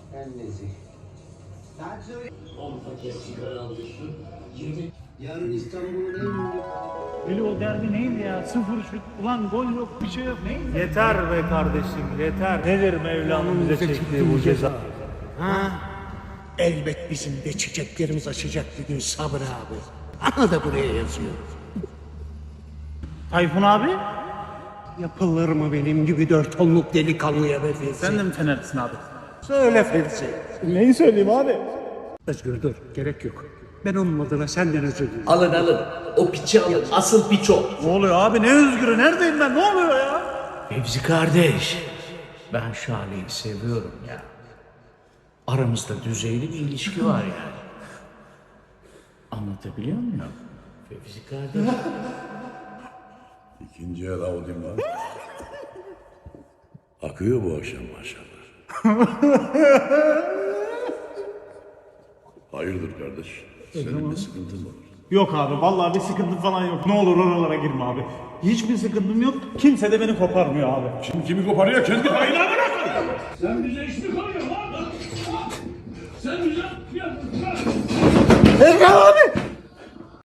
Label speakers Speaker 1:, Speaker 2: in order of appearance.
Speaker 1: Ben nezih. Sen söyle. 10 paket sigara alıyorsun. 20. Yarın İstanbul'un en ünlü...
Speaker 2: Öyle o derbi neydi ya? 0 şut. Ulan gol yok, bir şey yok. Neydi?
Speaker 3: Yeter be kardeşim, yeter. Nedir Mevla'nın bize çektiği bu ceza?
Speaker 4: Ha? Elbet bizim de çiçeklerimiz açacak bir gün Sabri abi. Ana da buraya yazıyor.
Speaker 2: Tayfun abi?
Speaker 4: Yapılır mı benim gibi 4 tonluk delikanlıya be Fevzi?
Speaker 2: Sen de mi Fenerlisin abi?
Speaker 4: Söyle Fevzi.
Speaker 2: Neyi söyleyeyim abi?
Speaker 4: Özgür dur, gerek yok. Ben onun adına senden özür dilerim.
Speaker 1: Alın alın. O piçi alın. Asıl piç o.
Speaker 2: Ne oluyor abi? Ne özgürü? Neredeyim ben? Ne oluyor ya?
Speaker 4: Fevzi kardeş, ben Şale'yi seviyorum ya. Aramızda düzeyli bir ilişki var yani. Anlatabiliyor muyum? Fevzi kardeş.
Speaker 5: İkinci el Audi'm var. Akıyor bu akşam maşallah. Hayırdır kardeş? Senin bir sıkıntın var.
Speaker 2: Yok abi. Vallahi bir sıkıntı falan yok. Ne olur oralara girme abi. Hiçbir sıkıntım yok. Kimse de beni koparmıyor abi.
Speaker 5: Kim kimi koparıyor kendi payına bırakın.
Speaker 6: Sen bize iş mi koyuyorsun lan? Sen bize...
Speaker 2: Erkan!